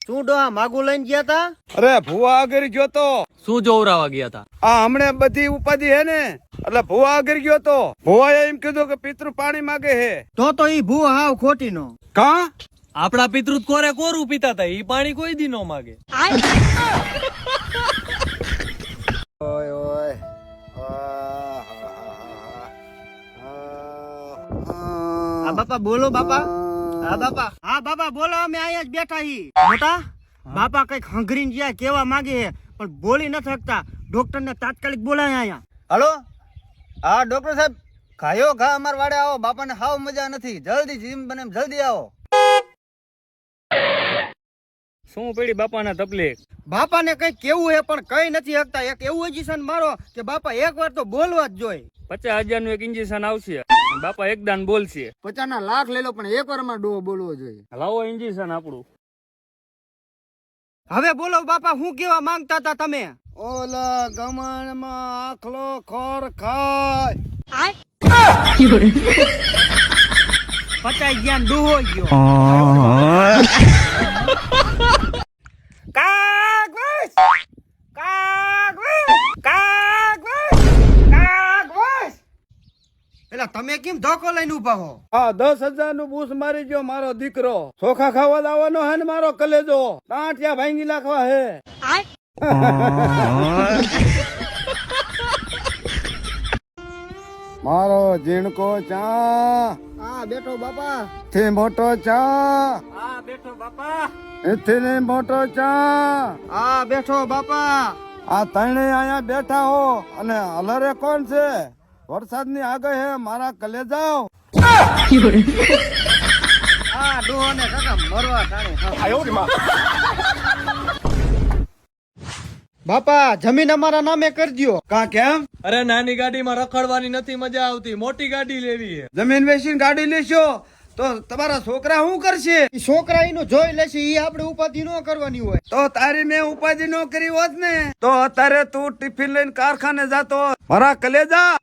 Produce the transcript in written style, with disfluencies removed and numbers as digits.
શું ડોહા માગું લઈને ગયા તા? અરે ભુવા આગળ ગયો તો. શું જોવરાવા ગયા હતા? આ હમણે બધી ઉપાધિ હે ને એટલે ભુવા આગળ ગયો તો. ભુવાએ એમ કીધું કે પિતૃ પાણી માગે હે. તો ઈ ભૂ હાવ ખોટી નો. કા આપડા પિતૃ કોરે કોરું પીતા હતા, ઈ પાણી કોઈ દી નો માગે. ઓય ઓય હા બાપા બોલો બાપા. હા બાપા. હા બાપા બોલો, અમે અહીંયા જ બેઠા હી. મોટા બાપા કઈક હંગરીને જ્યાં કેવા માંગે છે પણ બોલી ન શકતા. ડોક્ટર ને તાત્કાલિક બોલાય અહીંયા. હાલો. હા ડોક્ટર સાહેબ, ખાયો ખા અમાર વાડે આવો. બાપાને હાવ મજા નથી. જલ્દી જીમ બને જલ્દી આવો. શું પડી બાપાના તકલીફ? બાપાને કઈક કેવું હે પણ કઈ નથી શકતા. એક એવું ઇન્જેક્શન મારો કે બાપા એક વાર તો બોલવા જ જોઈએ. 50,000 નું એક ઇન્જેક્શન આવશે, બાપા એક દાન બોલશે. 50 લાખ લઈ લો પણ એક વાર માં ડોહો બોલવો જોઈએ. લાવો ઇન્જેક્શન આપણું. હવે બોલો બાપા, શું કેવા માંગતા હતા તમે? ઓલા ગમણમાં આખલો ખોર ખાય. 50 જ્ઞાન ડૂહો ગયો. કાગવાસ! કાગવાસ! કાગવાસ! કાગવાસ! એલા તમે કેમ ધોકો લઈને ઉભા હો? આ 10,000 નું બૂસ મારી ગયો મારો દીકરો. ચોખા ખાવા લાવવાનો હે ને મારો કલેજો. ટાંટિયા ભાંગી નાખવા હે. મારો ઝીણકો ચા. હા બેઠો બાપા. થી મોટો ચા. હા બેઠો બાપા. એથી ને મોટો ચા. હા બેઠો બાપા. આ ત્રણે અહીંયા બેઠા હો અને હલરે કોણ છે? વરસાદની આગળ હે મારા કલેજાઓ. હા ડોહો ને કાકા મરવા ટાણે. બાપા જમીન અમારા નામે કરી દ્યો. કા કેમ? અરે નાની ગાડીમાં રખડવાની નથી મજા આવતી, મોટી ગાડી લેવી છે. જમીન વેચીને ગાડી લેશો તો તમારા છોકરા શું કરશે? ઈ છોકરા એનું જોઈ લેશે, ઈ આપણે ઉપાધિ ન કરવાની હોય. તો તારી મેં ઉપાધિ ન કરી હોત ને તો અત્યારે તું ટિફિન લઈને કારખાને જાતો હોત. મારા કલેજા.